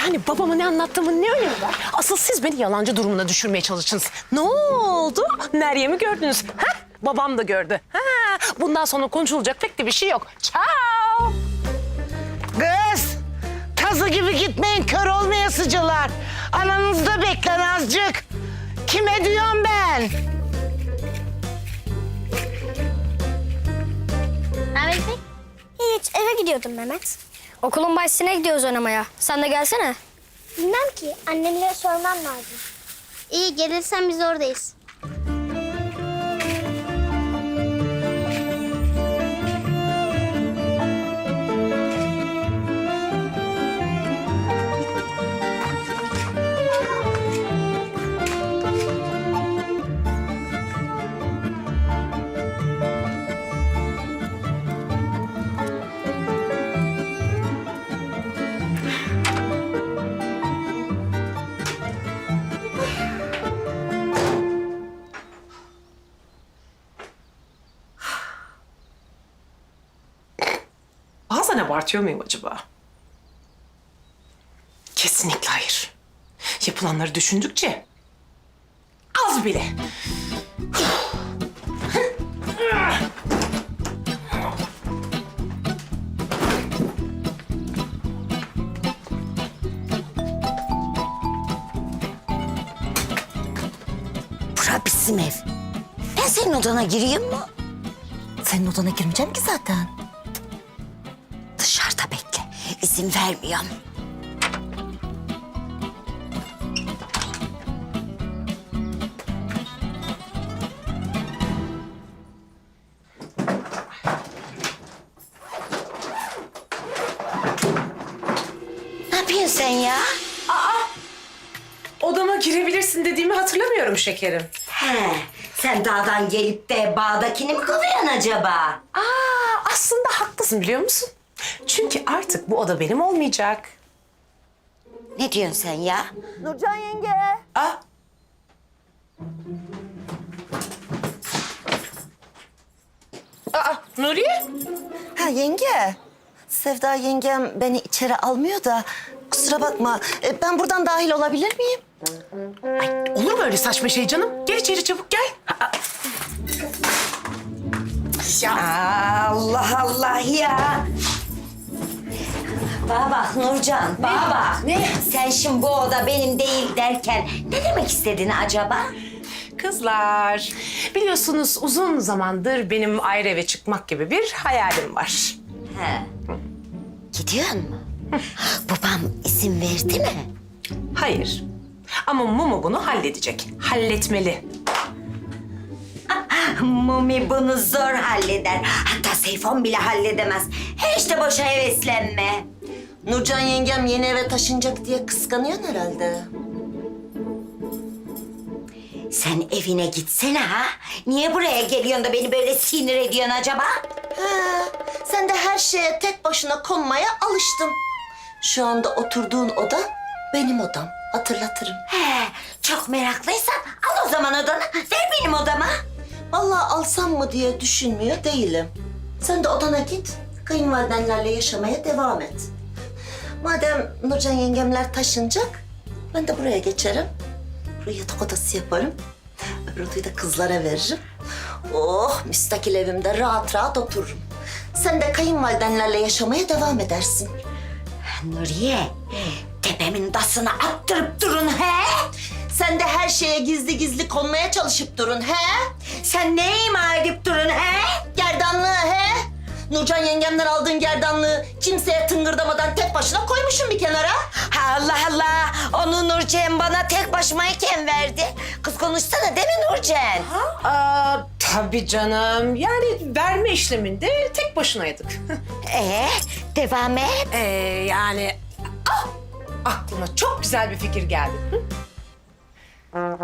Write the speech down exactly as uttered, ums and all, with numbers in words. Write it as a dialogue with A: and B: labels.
A: Yani babama ne anlattığımın ne önemi var? Asıl siz beni yalancı durumuna düşürmeye çalıştınız. Ne oldu? Meryem'i gördünüz. Ha? Babam da gördü. Ha? Bundan sonra konuşulacak pek de bir şey yok. Ciao.
B: Kız, tazı gibi gitmeyin, kör olmayasıcılar. Ananızda beklen azıcık. Kime diyorum ben?
C: Ahmet Bey?
D: Hiç, eve gidiyordum Mehmet.
C: Okulun bahçesine gidiyoruz oynamaya. Sen de gelsene.
D: Bilmem ki, annemlere sormam lazım.
C: İyi, gelirsen biz oradayız.
A: Bazen abartıyor muyum acaba? Kesinlikle hayır. Yapılanları düşündükçe az bile.
E: Bura bizim ev. Ben senin odana gireyim mi? Senin odana girmeyeceğim ki zaten. Dışarıda bekle. İzin vermiyorum. Ne yapıyorsun sen ya?
A: Odama girebilirsin dediğimi hatırlamıyorum şekerim.
E: He, sen dağdan gelip de bağdakini mi kovuyorsun acaba?
A: Aa, aslında haklısın biliyor musun? Çünkü artık bu oda benim olmayacak.
E: Ne diyorsun sen ya?
B: Nurcan yenge.
A: Aa. Aa, Nuriye?
E: Ha yenge. Sevda yengem beni içeri almıyor da kusura bakma. E, Ben buradan dahil olabilir miyim?
A: Olur mu öyle saçma şey canım? Gel içeri çabuk gel. Aa. Ya.
E: Allah Allah ya. Bana bak Nurcan, bana bak.
A: Ne?
E: Sen şimdi bu oda benim değil derken ne demek istedin acaba?
A: Kızlar, biliyorsunuz uzun zamandır benim ayrı eve çıkmak gibi bir hayalim var.
E: He. Gidiyor mu? Babam izin verdi mi?
A: Hayır. Ama Mumu bunu halledecek. Halletmeli.
E: Mumi bunu zor halleder. Hatta Seyfon bile halledemez. Hiç de boşa heveslenme. Nurcan yengem yeni eve taşınacak diye kıskanıyorsun herhalde. Sen evine gitsene ha. Niye buraya geliyorsun da beni böyle sinir ediyorsun acaba? Ha, sen de her şeye tek başına konmaya alıştın. Şu anda oturduğun oda benim odam. Hatırlatırım. He, çok meraklıysan al o zaman odanı. Ver benim odama. Vallahi alsam mı diye düşünmüyor değilim. Sen de odana git. Kayınvalidenlerle yaşamaya devam et. Madem Nurcan yengemler taşınacak, ben de buraya geçerim. Buraya yatak odası yaparım. Öbür odayı da kızlara veririm. Oh, müstakil evimde rahat rahat otururum. Sen de kayınvalidenlerle yaşamaya devam edersin. Nuriye, tepemin tasını attırıp durun he? Sen de her şeye gizli gizli konmaya çalışıp durun he? Sen ne ima edip durun he? Gerdanlığı he? Nurcan yengemden aldığın gerdanlığı kimseye tıngırdamadan tek başına koymuşum bir kenara. Allah Allah, onu Nurcan bana tek başımayken verdi. Kız konuşsana değil mi Nurcan?
A: Aa, tabii canım. Yani verme işleminde tek başınaydık.
E: Ee, devam et.
A: ee, yani ah, aklıma çok güzel bir fikir geldi. Hı?